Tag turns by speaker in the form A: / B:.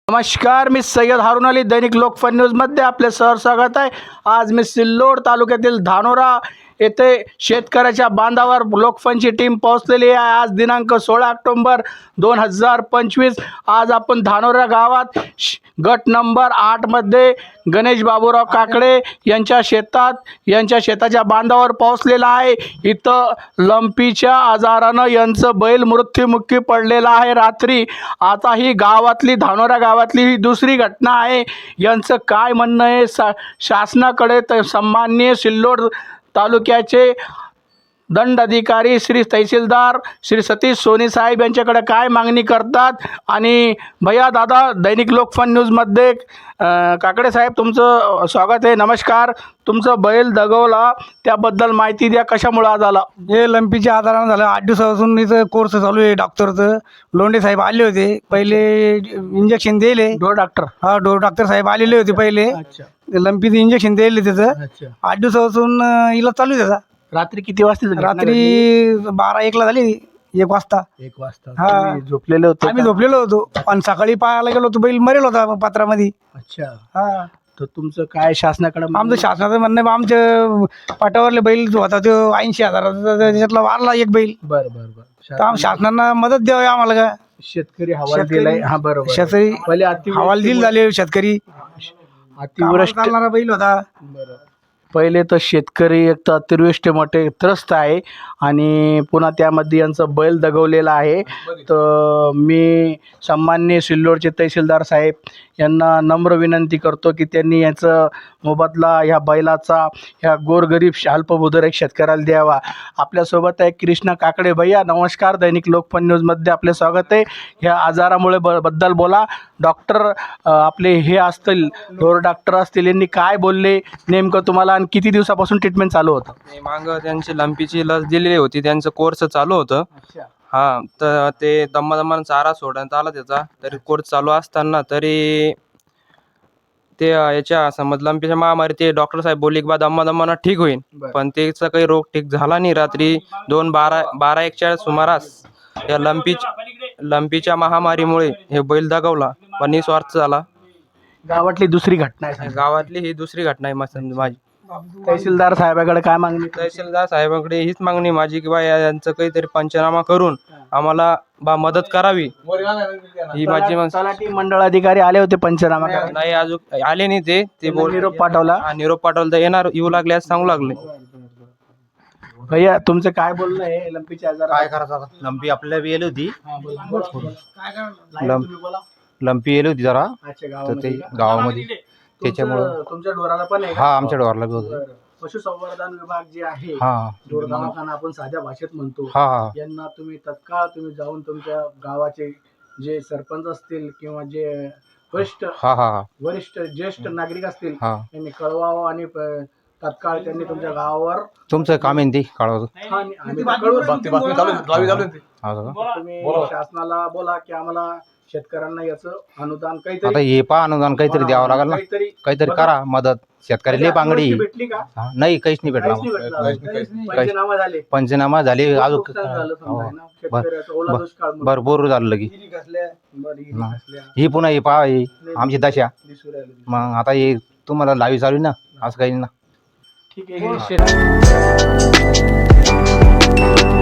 A: नमस्कार, मी सय्यद हारून अली, दैनिक लोकफन न्यूजमध्ये आपले स्वागत आहे। आज मी सिल्लोड तालुक्यातील धानोरा येथे शेतकऱ्याच्या बांधावर लोकफनची टीम पोहोचलेली आहे। आज दिनांक 16 ऑक्टोबर 2025 आज आपण धानोरा गावात गट नंबर 8 मध्ये गणेश बाबूराव काकडे यांच्या शेताच्या बांधावर पोहोचलेला आहे। इथं लंपीच्या आजारानं यांचं बैल मृत्युमुखी पडलेला आहे रात्री। आता ही धानोरा गावातली ही दुसरी घटना आहे। यांचं काय म्हणणं आहे शासनाकडे तर सन्माननीय सिल्लोड तालुक्याचे दंडाधिकारी श्री तहसीलदार श्री सतीश सोनी साहेब यांच्याकडे काय मागणी करतात। आणि भैया दादा, दैनिक लोकफन न्यूजमध्ये काकडे साहेब तुमचं स्वागत आहे। नमस्कार, तुमचं बैल दगवला त्याबद्दल माहिती द्या, कशामुळे आज आला?
B: हे लंपीच्या आजारानं झालं। 8 दिवसापासून इथं कोर्स चालू आहे डॉक्टरचं। लोंढे साहेब आले होते, पहिले इंजेक्शन दिले।
A: डोर डॉक्टर?
B: हा, डोर डॉक्टर साहेब आलेले होते पहिले।
A: अच्छा,
B: लंपीचं इंजेक्शन दिले त्याचं।
A: अच्छा,
B: 8 दिवसापासून इलाज चालू आहे त्याचा।
A: रात्री किती वाजता झाली?
B: रात्री 12-1ला झाली, 1 वाजता।
A: 1 वाजता
B: हा,
A: तुम्ही झोपलेले होते?
B: आम्ही झोपलेलो होतो आणि सकाळी पाहायला गेलो होतो, बैल मरेल होता पात्रामध्ये।
A: अच्छा,
B: हा,
A: तर तुमचं काय शासनाकडे
B: आमचं शासनाचं म्हणणं आहे, आमच्या पाटावरले बैल जो होता तो 80,000 त्याच्यातला वारला एक बैल।
A: बरं बरं बरं,
B: तर शासनानं मदत द्यावी आम्हाला का?
A: शेतकरी हवाल दिलाय? हा बरोबर,
B: शेतकरी
A: पहिले
B: हवालदिल झाले शेतकरी।
A: अतिवृष्टी
B: चालणारा बैल होता।
A: बरं, पहिले तर शेतकरी एक तर अतिवृष्टीमुळे त्रस्त आहे आणि पुन्हा त्यामध्ये यांचं बैल दगवलेला आहे। तर मी सन्माननीय सिल्लोडचे तहसीलदार साहेब यांना नम्र विनंती करतो की त्यांनी याचं मोबदला ह्या बैलाचा ह्या गोरगरीब अल्पभूधारक शेतकऱ्याला द्यावा। आपल्यासोबत आहे कृष्णा काकडे। भैया नमस्कार, दैनिक लोकफन न्यूजमध्ये आपले स्वागत आहे। ह्या आजारामुळे बद्दल बोला। डॉक्टर आपले हे असतील, ढोर डॉक्टर असतील, यांनी काय बोलले नेमकं तुम्हाला आणि किती दिवसापासून ट्रीटमेंट चालू होतं?
C: मागं त्यांची लंपीची लस दिलेली होती, त्यांचं कोर्स चालू होतं। हा, तर ते दमादमानं चारा सोडण्यात आला त्याचा, तरी कोर्स चालू असताना तरी ते याच्या समज लंपीच्या महामारी ते डॉक्टर साहेब बोलले की बा दमादमानं ठीक होईल, पण त्याचा काही रोग ठीक झाला नाही। रात्री 2:12-1च्या सुमारास या लंपीच्या महामारीमुळे हे बैल दगावला, पण निस्वार्थ झाला।
A: गावातली दुसरी घटना आहे?
C: गावातली ही दुसरी घटना आहे माझी।
A: तहसीलदार साहेबाकडे काय मागणी?
C: तहसीलदार साहेबांकडे हीच मागणी माझी की बा यांचं काहीतरी पंचनामा करून आम्हाला मदत करावी, ही माझी
A: तलाठी मंडळ अधिकारी आले होते पंचनामा करायला?
C: नाही, अजून आले नाही। ते बोल
A: निरोप पाठवला?
C: निरोप पाठवला, तर येऊ लागले असं सांगू लागले।
A: भैया तुमचं काय बोलणं आहे लंपीच्या आजार?
D: काय करायचं आता? लंपी आपल्याला येली होती, लंपी येली होती जरा, तर ते गावामध्ये त्याच्यामुळं
A: तुमच्या ढोराला पण आहे?
D: हा, आमच्या डोरला बी होतं।
A: पशुसंवर्धन विभाग जे आहे,
D: हा,
A: ढोर दवाखाना आपण साध्या भाषेत म्हणतो,
D: हा,
A: यांना तुम्ही तत्काळ जाऊन तुमच्या गावाचे जे सरपंच असतील किंवा जे वरिष्ठ ज्येष्ठ नागरिक असतील यांनी कळवावं आणि तत्काळ त्यांनी तुमच्या गावावर
D: तुमचं काम आहे ते कळवतो।
A: तुम्ही शासनाला बोला की आम्हाला शेतकऱ्यांना याचं अनुदान
D: आता
A: काहीतरी,
D: हे पहा, अनुदान काहीतरी द्यावं लागेल ना, काहीतरी करा मदत। शेतकरी लय बांगडी
A: भेटली का?
D: नाही, काहीच नाही भेटला।
A: पंचनामा झाले?
D: पंचनामा झाले, अजून
A: नुकसान झालं समजा आहे ना, शेतकऱ्याचं ओला दुष्काळ म्हणून.
D: भरपूर झालं लगी।
A: बरं, ही कसल्या
D: ही पुन्हा हे पहा, ही आमची दशा।
A: दिसू राहिलं?
D: मग आता हे तुम्हाला लावी चालू ना, असं काही ना।
A: ठीक आहे, हे